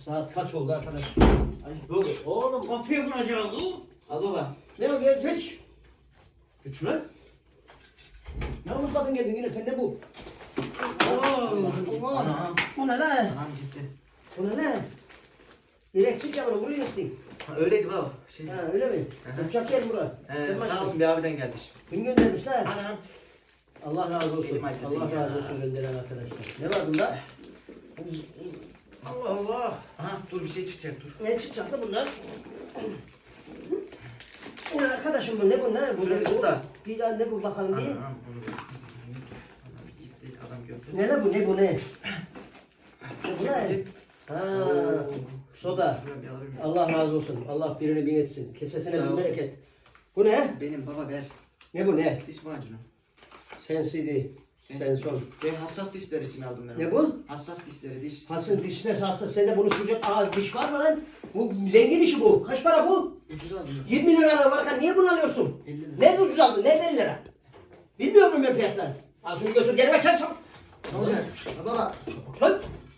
Saat kaç oldu arkadaş? Ay, Dur oğlum kapıyı kuracağım. al baba. Ne o gel geç. Geç lan. Ne uzadın geldin yine sen ne bu? Ana. Bu ne lan? Anam gitti. Bu ne lan? Direksiz ya bunu buraya gittin. Ha, öyleydi baba. Şey. Ha öyle mi? Hı hı. Uçak gel buraya. Sen Sağ başla. olun bir abiden gelmiş. Kim göndermiş lan? Anam. Allah razı olsun. Benim acıdı Allah ya. razı olsun gönderen arkadaşlar. Ne var bunda? Allah Allah. Aha dur bir şey çıkacak dur. Ne çıkacak da bunlar? Ne arkadaşım bu ne bu ne? Bu Şöyle ne tut bu? da. Bir daha ne bu bakalım bir. Anam onu. Anam gitti adam gördü. Ne la bu ne bu ne? Bu ne? Ha, Oo. soda. Şuraya bir alabilir miyim? Allah razı olsun. Allah birini bin etsin. Kesesine Sağ bin ol. bereket. Bu ne? Benim baba ver. Ne bu ne? Diş macunu. Sensidi. Senson. Ve hassas dişler için aldım ben. Ne onu. bu? Hassas dişleri diş. Hasıl dişler hassas. Sende bunu sürecek ağız diş var mı lan? Bu zengin işi bu. Kaç para bu? Ucuz aldım. 20 lira varken niye bunu alıyorsun? 50 lira. Nerede ucuz aldın? Nerede 50 lira? Bilmiyor muyum ben fiyatları? Al şunu götür geri ver sen çabuk. Ne olacak? Ha, baba. Lan